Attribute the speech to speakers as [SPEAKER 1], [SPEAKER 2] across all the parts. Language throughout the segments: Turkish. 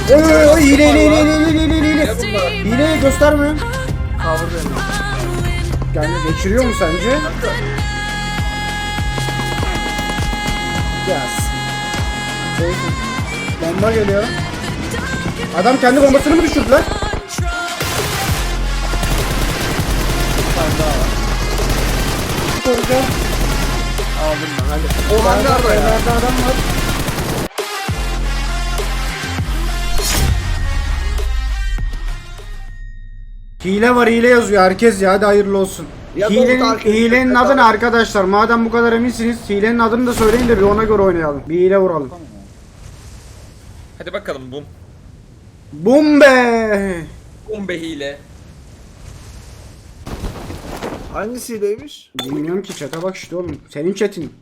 [SPEAKER 1] Oy hile. Hileyi göstermiyor.
[SPEAKER 2] Cover benim.
[SPEAKER 1] Yani geçiriyor mu sence? Yes. Bomba geliyor. Adam kendi bombasını mı düşürdü lan? Koruyacağım.
[SPEAKER 2] Aldım ben hadi. O hangarda ya.
[SPEAKER 1] Nerede adam var? Hile var, hile yazıyor herkes ya, hadi hayırlı olsun.
[SPEAKER 2] Ya
[SPEAKER 1] Hilenin adı ne arkadaşlar? Madem bu kadar eminsiniz, hilenin adını da söyleyin de bir ona göre oynayalım. Bir hile vuralım.
[SPEAKER 3] Hadi bakalım bum.
[SPEAKER 1] Bum be!
[SPEAKER 3] Bum be hile.
[SPEAKER 2] Hangisiymiş?
[SPEAKER 1] Bilmiyorum ki, chat'e bak işte oğlum. Senin chat'in.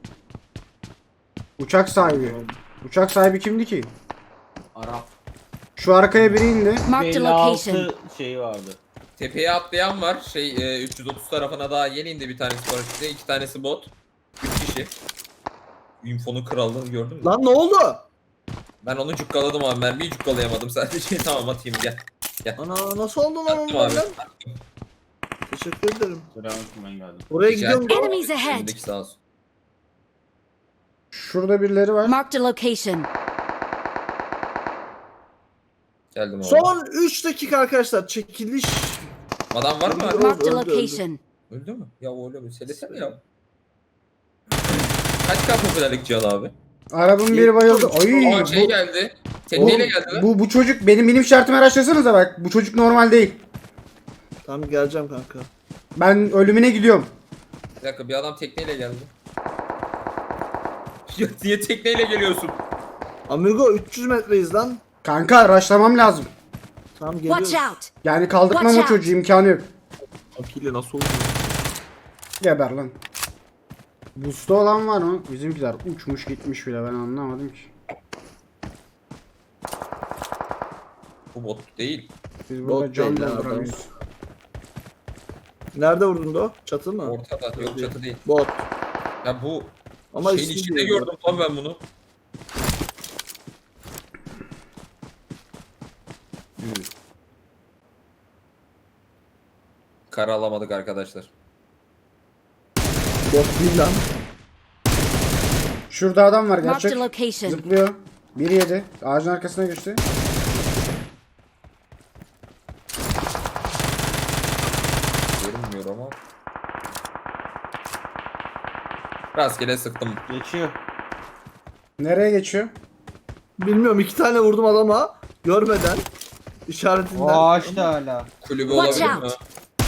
[SPEAKER 1] Uçak sahibi. Uçak sahibi kimdi ki?
[SPEAKER 4] Arap.
[SPEAKER 1] Şu arkaya biri indi.
[SPEAKER 5] Marked a location.
[SPEAKER 4] 56 şeyi vardı.
[SPEAKER 3] Tepeye atlayan var. 330 tarafına daha yeni indi bir tanesi paraşütle. 2 tanesi bot. 3 kişi. Info'nun krallığını gördün mü?
[SPEAKER 2] Lan ne oldu?
[SPEAKER 3] Ben onu cukkaladım abi. Mermiyi cukkalayamadım sadece. Tamam atayım gel.
[SPEAKER 2] Ana nasıl oldu lan
[SPEAKER 3] Attım
[SPEAKER 2] onu
[SPEAKER 3] abi.
[SPEAKER 2] lan? Teşekkür ederim.
[SPEAKER 4] Selamünaleyküm, ben geldim.
[SPEAKER 2] Buraya
[SPEAKER 3] Rica
[SPEAKER 2] gidiyorum.
[SPEAKER 3] ederim.
[SPEAKER 5] Enemies ahead.
[SPEAKER 3] Önündeki sağ olsun.
[SPEAKER 1] Şurada birileri var.
[SPEAKER 5] Marked a location.
[SPEAKER 3] Geldim abi.
[SPEAKER 2] Son 3 dakika arkadaşlar. Çekiliş.
[SPEAKER 3] Adam var mı?
[SPEAKER 2] Öldü,
[SPEAKER 5] Marked a
[SPEAKER 2] öldü.
[SPEAKER 5] location.
[SPEAKER 3] Öldü mü? Ya öyle mi? Söylesene ya. Kaç kadar popülerlik Cihan abi?
[SPEAKER 1] Arabın biri bayıldı. Ay,
[SPEAKER 3] Aa şey geldi. Tekneyle geldi lan.
[SPEAKER 1] bu çocuk benim şartımı araştırsanıza bak. Bu çocuk normal değil.
[SPEAKER 2] Tamam geleceğim kanka.
[SPEAKER 1] Ben ölümüne gidiyorum.
[SPEAKER 3] Bir dakika bir adam tekneyle geldi. Ya niye tekneyle geliyorsun?
[SPEAKER 2] Amigo 300 metreyiz lan.
[SPEAKER 1] Kanka raşlamam lazım.
[SPEAKER 2] Tamam
[SPEAKER 5] Watch
[SPEAKER 2] geliyoruz.
[SPEAKER 5] out.
[SPEAKER 1] Yani kaldırmam
[SPEAKER 5] Watch
[SPEAKER 1] o
[SPEAKER 5] out.
[SPEAKER 1] çocuğu, imkanı yok.
[SPEAKER 2] Akile nasıl oldu?
[SPEAKER 1] Geber lan. Boost'ta olan var mı? Bizimkiler uçmuş gitmiş bile, ben anlamadım ki.
[SPEAKER 3] Bu bot değil.
[SPEAKER 1] Biz
[SPEAKER 2] Bot
[SPEAKER 1] burada can
[SPEAKER 2] değil ya,
[SPEAKER 1] dolduramıyoruz.
[SPEAKER 2] Nerede vurdun da o? Çatı mı?
[SPEAKER 3] Ortada yok çatı değil.
[SPEAKER 2] Bot.
[SPEAKER 3] Ya bu
[SPEAKER 2] Ama
[SPEAKER 3] şeyin
[SPEAKER 2] ismi
[SPEAKER 3] içinde
[SPEAKER 2] değil
[SPEAKER 3] gördüm lan ben bunu. Kara alamadık arkadaşlar.
[SPEAKER 2] Bot değil lan.
[SPEAKER 1] Şurada adam var
[SPEAKER 5] Marked
[SPEAKER 1] gerçek.
[SPEAKER 5] a location.
[SPEAKER 1] Zıplıyor. Biri yedi. Ağacın arkasına geçti.
[SPEAKER 3] Görünmüyor ama. Rastgele sıktım.
[SPEAKER 4] Geçiyor.
[SPEAKER 1] Nereye geçiyor?
[SPEAKER 2] Bilmiyorum 2 tane vurdum adama. Görmeden. İşaretinden.
[SPEAKER 4] O ağaçta hala.
[SPEAKER 3] Kulübü
[SPEAKER 5] Watch
[SPEAKER 3] olabilir mi?
[SPEAKER 5] out.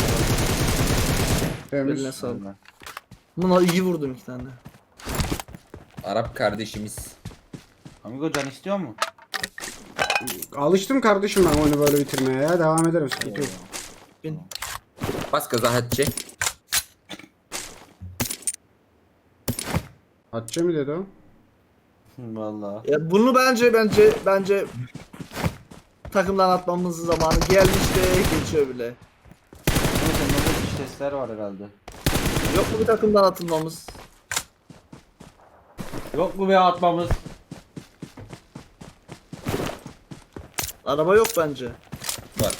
[SPEAKER 1] Temiz.
[SPEAKER 2] Eline sağlık. Buna iyi vurdum 2 tane.
[SPEAKER 3] Arap kardeşimiz.
[SPEAKER 4] Amigo can istiyor mu?
[SPEAKER 1] Alıştım kardeşim ben oyunu böyle bitirmeye ya. Devam ederim, sıkıntı yok.
[SPEAKER 2] Bin.
[SPEAKER 3] Bas gaza Hatice.
[SPEAKER 1] Atça mı dedi o?
[SPEAKER 4] Vallahi.
[SPEAKER 2] Ya bunu bence takımdan atmamızın zamanı gelmiş de geçiyor bile.
[SPEAKER 4] Neyse orada dış testler var herhalde.
[SPEAKER 2] Yok mu bir takımdan atılmamız?
[SPEAKER 4] Yok mu be atmamız?
[SPEAKER 2] Araba yok bence.
[SPEAKER 3] Var.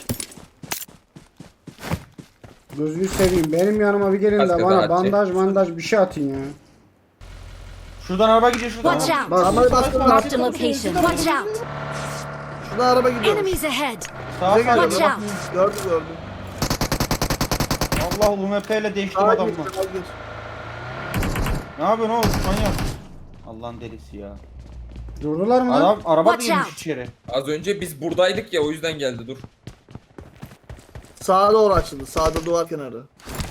[SPEAKER 1] Gözünü seveyim. Benim yanıma bir gelin de
[SPEAKER 3] Kaskı
[SPEAKER 1] bana
[SPEAKER 3] da atacak.
[SPEAKER 1] bandaj bir şey atın ya.
[SPEAKER 4] Şuradan araba gidiyor şuradan.
[SPEAKER 5] Watch out.
[SPEAKER 1] Bas.
[SPEAKER 2] Arabayı bastım.
[SPEAKER 5] Marked a location. Watch out.
[SPEAKER 2] Şurada araba gidiyor.
[SPEAKER 5] Enemies ahead.
[SPEAKER 4] Sağa
[SPEAKER 2] Bize
[SPEAKER 4] sağa
[SPEAKER 2] geliyor.
[SPEAKER 5] Watch
[SPEAKER 4] gidiyor.
[SPEAKER 5] out.
[SPEAKER 2] Gördüm.
[SPEAKER 4] Allah UMP ile değiştim
[SPEAKER 2] Sağa
[SPEAKER 4] adamı.
[SPEAKER 2] gir, sağa gir.
[SPEAKER 4] Ne yapıyorsun oğlum manyak? Allah'ın delisi ya.
[SPEAKER 1] Durdular mı lan?
[SPEAKER 4] Adam araba
[SPEAKER 5] Watch
[SPEAKER 4] girmiş
[SPEAKER 5] out.
[SPEAKER 4] içeri.
[SPEAKER 3] Az önce biz buradaydık ya o yüzden geldi dur.
[SPEAKER 2] Sağa doğru açıldı. Sağda duvar kenarı.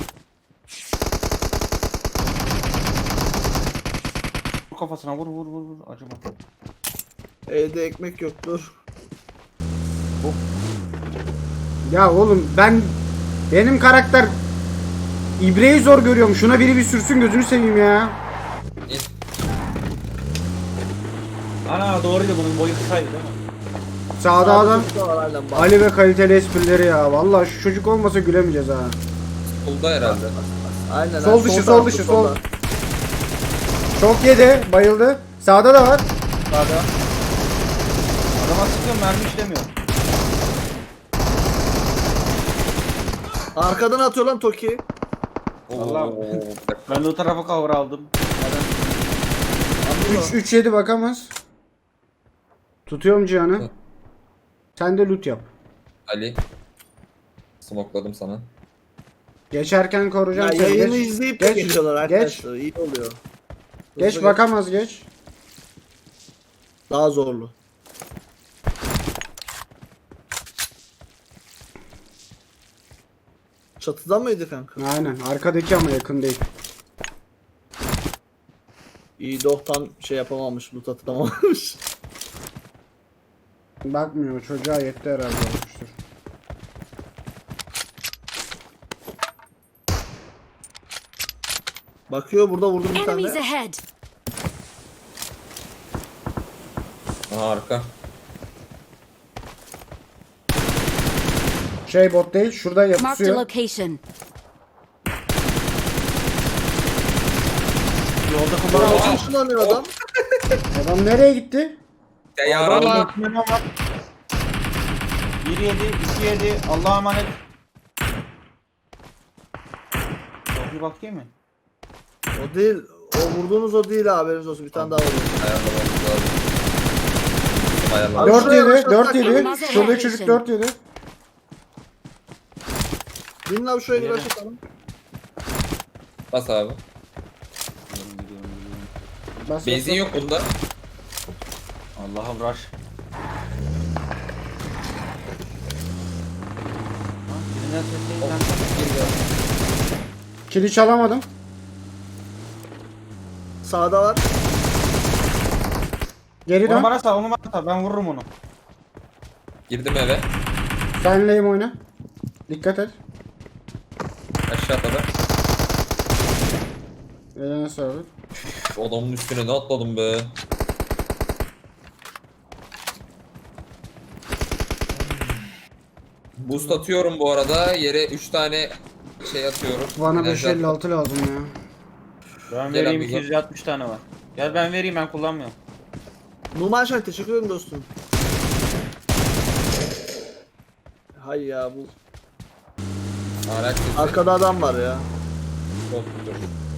[SPEAKER 4] Vur kafasına vur acaba.
[SPEAKER 2] Evde ekmek yok dur.
[SPEAKER 1] Ya oğlum benim karakter ibreyi zor görüyorum. Şuna biri bir sürsün, gözünü seveyim ya.
[SPEAKER 4] Ana doğruydu bunun boyu kısaydı değil mi?
[SPEAKER 1] Sağda adam.
[SPEAKER 2] Sağda var halen bak.
[SPEAKER 1] Ali ve kaliteli esprileri ya. Vallahi şu çocuk olmasa gülemeyeceğiz ha.
[SPEAKER 3] Solda herhalde.
[SPEAKER 2] Aynen.
[SPEAKER 1] Sol dışı, sol
[SPEAKER 2] tarafta,
[SPEAKER 1] dışı,
[SPEAKER 2] solda.
[SPEAKER 1] sol. Çok yedi, bayıldı. Sağda da var.
[SPEAKER 2] Sağda.
[SPEAKER 4] Adama sıkıyorum mermi işlemiyor.
[SPEAKER 2] Arkadan atıyor lan Toki.
[SPEAKER 4] Vallahi.
[SPEAKER 3] Oo, bir dakika.
[SPEAKER 4] Ben de o tarafa cover aldım.
[SPEAKER 1] 3-7 bakamaz. Tutuyorum Cihan'ı. Sen de loot yap.
[SPEAKER 3] Ali. Smokladım sana.
[SPEAKER 1] Geçerken
[SPEAKER 2] Ya
[SPEAKER 1] koruyacağım seni.
[SPEAKER 2] yayını
[SPEAKER 1] Geç,
[SPEAKER 2] izleyip de
[SPEAKER 1] geç,
[SPEAKER 2] geçiyorlar
[SPEAKER 1] geç.
[SPEAKER 2] arkadaşlar. İyi oluyor.
[SPEAKER 1] Geç
[SPEAKER 2] Hızlı
[SPEAKER 1] bakamaz geç.
[SPEAKER 2] Daha zorlu. Çatıda mıydı kanka?
[SPEAKER 1] Aynen arkadaki ama yakın değil.
[SPEAKER 2] İyi Dohtan şey yapamamış, loot atamamış.
[SPEAKER 1] Bakmıyor çocuğa yetti herhalde olmuştur.
[SPEAKER 2] Bakıyor burada vurdum bir
[SPEAKER 5] Enemies
[SPEAKER 2] tane.
[SPEAKER 5] ahead.
[SPEAKER 3] Aha arka.
[SPEAKER 1] Şey bot değil şurada
[SPEAKER 5] Marked a
[SPEAKER 1] yapışıyor.
[SPEAKER 5] location.
[SPEAKER 4] Yolda
[SPEAKER 2] Bana
[SPEAKER 4] kullanamam.
[SPEAKER 2] ışınlanıyor adam.
[SPEAKER 1] Adam nereye gitti?
[SPEAKER 3] Ya yarabbim.
[SPEAKER 4] Valla. 1-7, 2-7. Allah'a emanet. Çok bir bakayım mı?
[SPEAKER 2] O değil. O vurduğunuz o değil haberiniz olsun. Bir tane daha vurdu.
[SPEAKER 3] Ayarlamamız lazım. Ayarlamamız
[SPEAKER 2] Abi
[SPEAKER 1] 4
[SPEAKER 2] şuraya
[SPEAKER 1] 7
[SPEAKER 2] başlasak
[SPEAKER 1] 4 7.
[SPEAKER 5] Olmaz
[SPEAKER 1] Şuradaki
[SPEAKER 5] herhalde.
[SPEAKER 1] çocuk 4 7.
[SPEAKER 2] Bin abi şuraya bir
[SPEAKER 4] Nereye?
[SPEAKER 2] başlatalım.
[SPEAKER 3] Bas abi.
[SPEAKER 1] Bas,
[SPEAKER 3] Benzin
[SPEAKER 1] bas,
[SPEAKER 3] yok bunda.
[SPEAKER 4] Allah'a uğraş. Birinden ses değil.
[SPEAKER 1] Kili çalamadım.
[SPEAKER 2] Sağda var.
[SPEAKER 1] Geri
[SPEAKER 4] Onu
[SPEAKER 1] dön.
[SPEAKER 4] bana sal, onu bana sal. Ben vururum onu.
[SPEAKER 3] Girdim eve.
[SPEAKER 1] Senleyim oyna. Dikkat et.
[SPEAKER 3] Aşağı atladı.
[SPEAKER 1] Eline sağlık.
[SPEAKER 3] Üf, adamın üstüne ne atladım be. Boost atıyorum bu arada. Yere 3 tane şey atıyorum.
[SPEAKER 1] Bana
[SPEAKER 3] Enerji attım.
[SPEAKER 1] 556 lazım ya.
[SPEAKER 4] Ben
[SPEAKER 3] Gel
[SPEAKER 4] vereyim
[SPEAKER 3] abi,
[SPEAKER 4] 260 tane var. Gel ben vereyim, ben kullanmıyorum.
[SPEAKER 2] Numan Şahin teşekkür ederim dostum. Hay ya bu.
[SPEAKER 3] Araç sesi.
[SPEAKER 2] Arkada adam var ya.
[SPEAKER 3] Çok dur.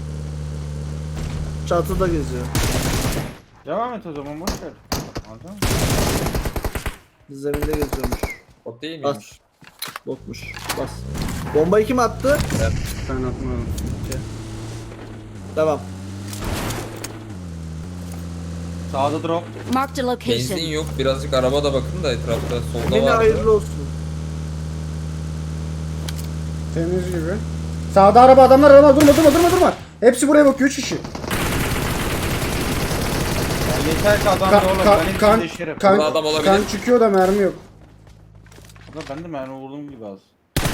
[SPEAKER 2] Çatıda geziyor.
[SPEAKER 4] Devam et o zaman, boş ver. Alacağım.
[SPEAKER 2] Zeminde geziyormuş.
[SPEAKER 3] O değil
[SPEAKER 2] Bas.
[SPEAKER 3] miymiş?
[SPEAKER 2] Botmuş. Bas. Bombayı kim attı?
[SPEAKER 1] Ben atmadım.
[SPEAKER 2] Devam.
[SPEAKER 4] Sağda drop.
[SPEAKER 5] Marked a
[SPEAKER 3] Benzin
[SPEAKER 5] location.
[SPEAKER 3] yok. Birazcık araba da bakın da etrafta. Solda
[SPEAKER 2] Yine
[SPEAKER 3] var.
[SPEAKER 2] hayırlı olsun.
[SPEAKER 1] Temiz gibi. Sağda araba adamlar durma. Hepsi buraya bakıyor 3 kişi.
[SPEAKER 4] Ya yeter ki adam
[SPEAKER 1] Kan,
[SPEAKER 4] da olur.
[SPEAKER 1] kan,
[SPEAKER 4] Ben
[SPEAKER 1] kan,
[SPEAKER 4] hepsini deşerim.
[SPEAKER 1] kan,
[SPEAKER 3] Burada adam olabilir.
[SPEAKER 1] kan çıkıyor da mermi yok.
[SPEAKER 4] Ulan ben de mermi vurdum gibi az.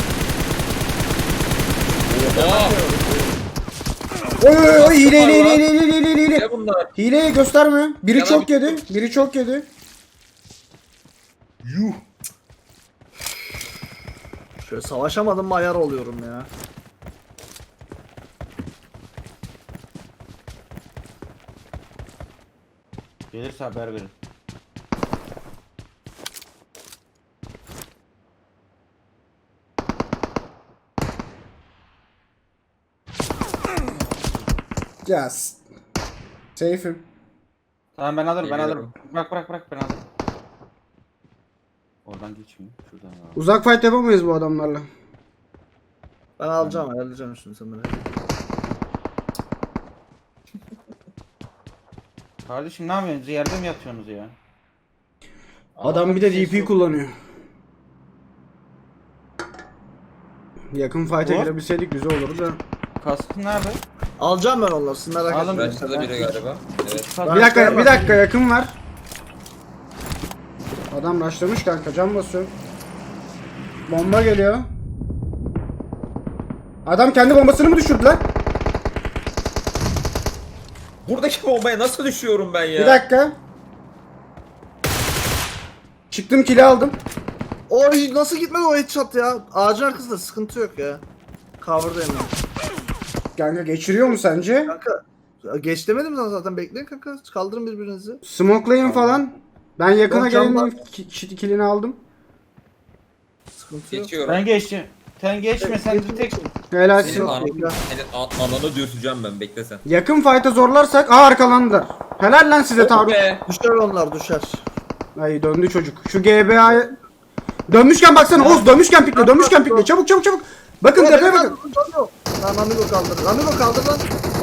[SPEAKER 3] Oha!
[SPEAKER 1] Oy hile.
[SPEAKER 3] Ne bunlar?
[SPEAKER 1] Hileyi gösterme. Biri
[SPEAKER 3] Ya
[SPEAKER 1] çok
[SPEAKER 3] ben-
[SPEAKER 1] yedi. Biri çok yedi.
[SPEAKER 2] Şöyle savaşamadım mı ayar oluyorum ya.
[SPEAKER 4] Gelirse haber verin.
[SPEAKER 1] Yes. Safe'im.
[SPEAKER 4] Tamam ben alırım, ben
[SPEAKER 3] Geliyorum.
[SPEAKER 4] alırım. Bırak ben alırım. Oradan geçmiyor. Şuradan al.
[SPEAKER 1] Uzak fight yapamayız bu adamlarla.
[SPEAKER 2] Ben alacağım ayarlayacağım şimdi sen beni.
[SPEAKER 4] Kardeşim ne yapıyorsunuz? Yerde mi yatıyorsunuz ya?
[SPEAKER 1] Adam bir de DP kullanıyor. Yakın fight'e
[SPEAKER 4] Bu?
[SPEAKER 1] girebilseydik güzel olurdu da.
[SPEAKER 4] Kaskın nerede?
[SPEAKER 2] Alacağım ben onları siz merak
[SPEAKER 4] Alın.
[SPEAKER 2] etmeyin.
[SPEAKER 3] Raş'ta da biri galiba. Evet.
[SPEAKER 4] Kask-
[SPEAKER 1] Bir dakika yakın var. Adam rushlamış kanka can basıyor. Bomba geliyor. Adam kendi bombasını mı düşürdü lan?
[SPEAKER 3] Buradaki bombaya nasıl düşüyorum ben ya?
[SPEAKER 1] Bir dakika. Çıktım kili aldım.
[SPEAKER 2] Oy nasıl gitmedi o headshot ya? Ağacın arkasında sıkıntı yok ya. Cover'dayım ben.
[SPEAKER 1] Kanka geçiriyor mu sence?
[SPEAKER 2] Kanka geç demedim sana zaten bekleyin kanka. Kaldırın birbirinizi.
[SPEAKER 1] Smokelayın falan. Ben yakına
[SPEAKER 2] Yok, can
[SPEAKER 1] gelenin kilini aldım.
[SPEAKER 2] Sıkıntı yok.
[SPEAKER 3] Geçiyorum.
[SPEAKER 4] Ben geçtim. Sen geçme sen bir tek.
[SPEAKER 1] Helalsin.
[SPEAKER 3] Senin,
[SPEAKER 2] Yok.
[SPEAKER 3] alanı dürteceğim ben, bekle sen.
[SPEAKER 1] Yakın fight'a zorlarsak arkalandılar. Helal lan size Tarık.
[SPEAKER 3] Be.
[SPEAKER 2] Düşer onlar düşer.
[SPEAKER 1] Ay döndü çocuk. Şu GBA'ya dönmüşken baksana Oğuz, dönmüşken pikle, dönmüşken pikle. Çabuk çabuk çabuk. Bakın tepeye bakın.
[SPEAKER 2] Lan Amigo kaldır. Amigo kaldır lan.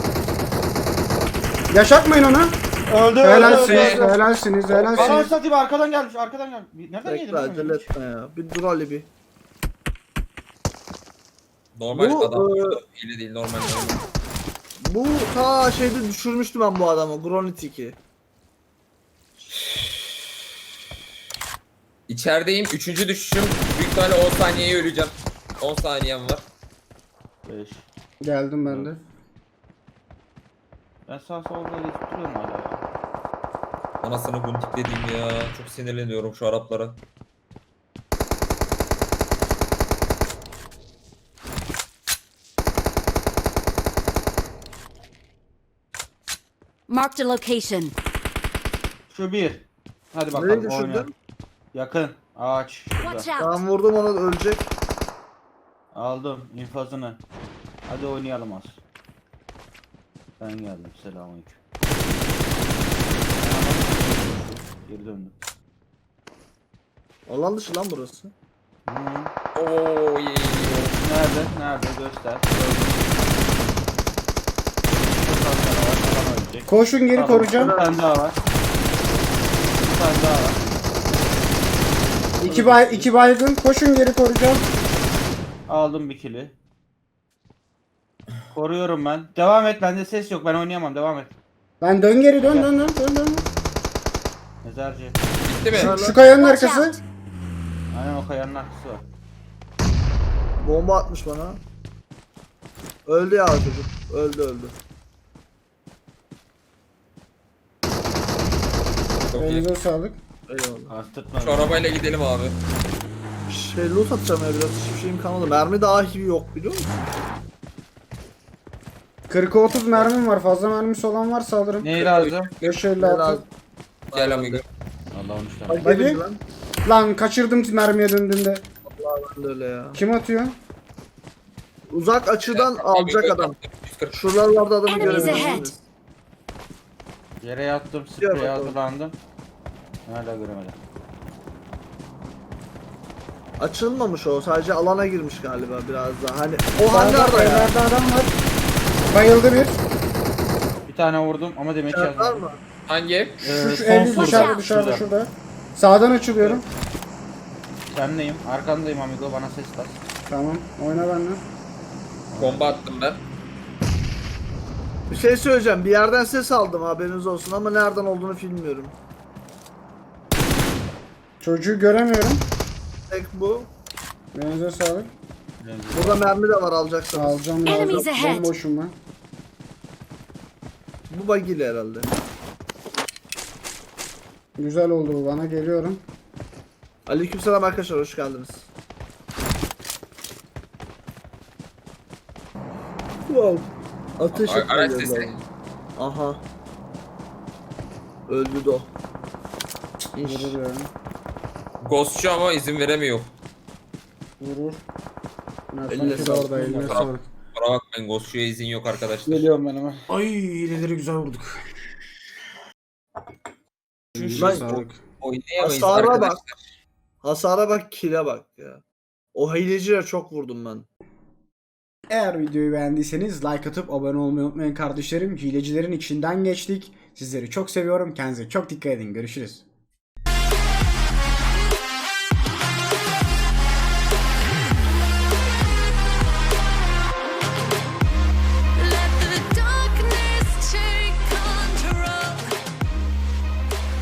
[SPEAKER 1] Yaşatmayın onu.
[SPEAKER 4] Öldü
[SPEAKER 1] Helalsiniz,
[SPEAKER 3] be.
[SPEAKER 1] helalsiniz,
[SPEAKER 4] Bana
[SPEAKER 1] helalsiniz.
[SPEAKER 4] satayım arkadan gelmiş arkadan gelmiş. Nereden yedin?
[SPEAKER 2] Bekle acele etme ya. Bir dur Ali bir.
[SPEAKER 3] Normal
[SPEAKER 2] Bu,
[SPEAKER 3] adam. Hile değil, normal.
[SPEAKER 2] Bu ta şeyde düşürmüştüm ben bu adamı. Gronitik'i.
[SPEAKER 3] İçerideyim. 3. düşüşüm. Büyük ihtimalle 10 saniyeye öleceğim. 10 saniyem var.
[SPEAKER 4] 5.
[SPEAKER 1] Geldim ben de.
[SPEAKER 4] Ben sağ solda geçip duruyorum hala ya.
[SPEAKER 3] Anasını guntik dediğim ya. Çok sinirleniyorum şu Araplara.
[SPEAKER 5] Marked a location.
[SPEAKER 4] Şu bir. Hadi
[SPEAKER 2] Nereye
[SPEAKER 4] bakalım
[SPEAKER 2] düşürdün?
[SPEAKER 4] oynayalım. Yakın. Ağaç.
[SPEAKER 5] Watch
[SPEAKER 4] Şurada.
[SPEAKER 5] out.
[SPEAKER 2] Ben vurdum onu ölecek.
[SPEAKER 4] Aldım infazını. Hadi oynayalım az. Ben geldim. Selamünaleyküm. Geri döndüm.
[SPEAKER 2] Alan dışı lan burası.
[SPEAKER 4] Hı.
[SPEAKER 3] Oo ye.
[SPEAKER 4] Nerede? Nerede? Göster. Bir tane daha var. Adam ölecek.
[SPEAKER 1] Koşun geri
[SPEAKER 4] Tamam,
[SPEAKER 1] koruyacağım.
[SPEAKER 4] Bir tane daha var. Bir tane daha var.
[SPEAKER 1] İki baygın. Koşun geri koruyacağım.
[SPEAKER 4] Aldım bir kili. Koruyorum ben. Devam et. Bende ses yok. Ben oynayamam. Devam et.
[SPEAKER 1] Ben dön geri dön.
[SPEAKER 4] Mezarcı.
[SPEAKER 3] Bitti mi?
[SPEAKER 2] Şöyle.
[SPEAKER 1] Şu kayanın
[SPEAKER 5] Watch
[SPEAKER 1] arkası.
[SPEAKER 5] out.
[SPEAKER 4] Aynen o kayanın arkası var.
[SPEAKER 2] Bomba atmış bana. Öldü ya çocuk. Öldü.
[SPEAKER 3] Çok iyi.
[SPEAKER 1] Elinize sağlık.
[SPEAKER 2] Eyvallah.
[SPEAKER 4] Astırtma.
[SPEAKER 3] Şu arabayla gidelim abi.
[SPEAKER 2] Şey loot atacağım ya biraz. Hiçbir şeyim kalmadı. Mermi dahi yok biliyor musun?
[SPEAKER 1] 40'a 30 mermim var. Fazla mermisi olan varsa alırım.
[SPEAKER 4] Neyi lazım?
[SPEAKER 1] 556.
[SPEAKER 3] Gel amigo.
[SPEAKER 4] Allah 13 tane.
[SPEAKER 2] Bak
[SPEAKER 1] Hadi.
[SPEAKER 2] gelin lan.
[SPEAKER 1] Lan kaçırdım mermiye döndüğümde.
[SPEAKER 2] Ben de öyle ya.
[SPEAKER 1] Kim atıyor?
[SPEAKER 2] Uzak açıdan alacak adam.
[SPEAKER 3] 140.
[SPEAKER 2] Şuralarda adamı
[SPEAKER 5] Enemies
[SPEAKER 2] görebilirsiniz.
[SPEAKER 4] Yere yattım.
[SPEAKER 2] Gel
[SPEAKER 4] Spreye
[SPEAKER 2] bakalım.
[SPEAKER 4] hazırlandım. Hala göremedim.
[SPEAKER 2] Açılmamış o. Sadece alana girmiş galiba biraz daha. Hani o hangarda ya.
[SPEAKER 1] Evlerde adam var. Bayıldı bir.
[SPEAKER 4] Bir tane vurdum ama demek
[SPEAKER 2] Var
[SPEAKER 4] yazmadım.
[SPEAKER 2] mı?
[SPEAKER 3] Hangi ev?
[SPEAKER 1] Şu
[SPEAKER 4] son
[SPEAKER 1] evin
[SPEAKER 4] vurdu.
[SPEAKER 1] dışarıda
[SPEAKER 4] Şurada.
[SPEAKER 1] şurada. Sağdan açılıyorum.
[SPEAKER 4] Senleyim. Arkandayım amigo. Bana ses ver.
[SPEAKER 1] Tamam. Oyna benimle.
[SPEAKER 3] Bomba attım ben.
[SPEAKER 2] Bir şey söyleyeceğim. Bir yerden ses aldım haberiniz olsun ama nereden olduğunu bilmiyorum.
[SPEAKER 1] Çocuğu göremiyorum.
[SPEAKER 2] Tek bu.
[SPEAKER 1] Elinize sağlık.
[SPEAKER 2] Burada mermi de var alacaksanız.
[SPEAKER 1] Alacağım
[SPEAKER 5] Enemies
[SPEAKER 1] lazım.
[SPEAKER 5] ahead.
[SPEAKER 1] Bomboşum ben.
[SPEAKER 2] Bu bagili herhalde.
[SPEAKER 1] Güzel oldu bu, bana geliyorum.
[SPEAKER 2] Aleykümselam arkadaşlar, hoş geldiniz. Wow. Ateş
[SPEAKER 3] Araç
[SPEAKER 2] etmiyor
[SPEAKER 3] sesi.
[SPEAKER 2] lan. Aha. Öldü de o. İş.
[SPEAKER 1] Vurur yani.
[SPEAKER 3] Ghostçu ama izin veremiyor.
[SPEAKER 1] Vurur.
[SPEAKER 2] Eline
[SPEAKER 1] Eline
[SPEAKER 2] sağlık.
[SPEAKER 1] orada, eline
[SPEAKER 3] Tamam.
[SPEAKER 1] sağlık.
[SPEAKER 3] Kusura bakmayın, Ghostçu'ya izin yok arkadaşlar.
[SPEAKER 4] Geliyorum ben hemen.
[SPEAKER 1] Ay hileleri güzel vurduk. Elinize
[SPEAKER 2] Lan,
[SPEAKER 1] sağlık.
[SPEAKER 3] Oynayamayız
[SPEAKER 2] Hasara bak.
[SPEAKER 3] arkadaşlar.
[SPEAKER 2] Hasara bak, kill'e bak ya. O hileciye çok vurdum ben.
[SPEAKER 1] Eğer videoyu beğendiyseniz like atıp abone olmayı unutmayın kardeşlerim. Hilecilerin içinden geçtik. Sizleri çok seviyorum. Kendinize çok dikkat edin. Görüşürüz.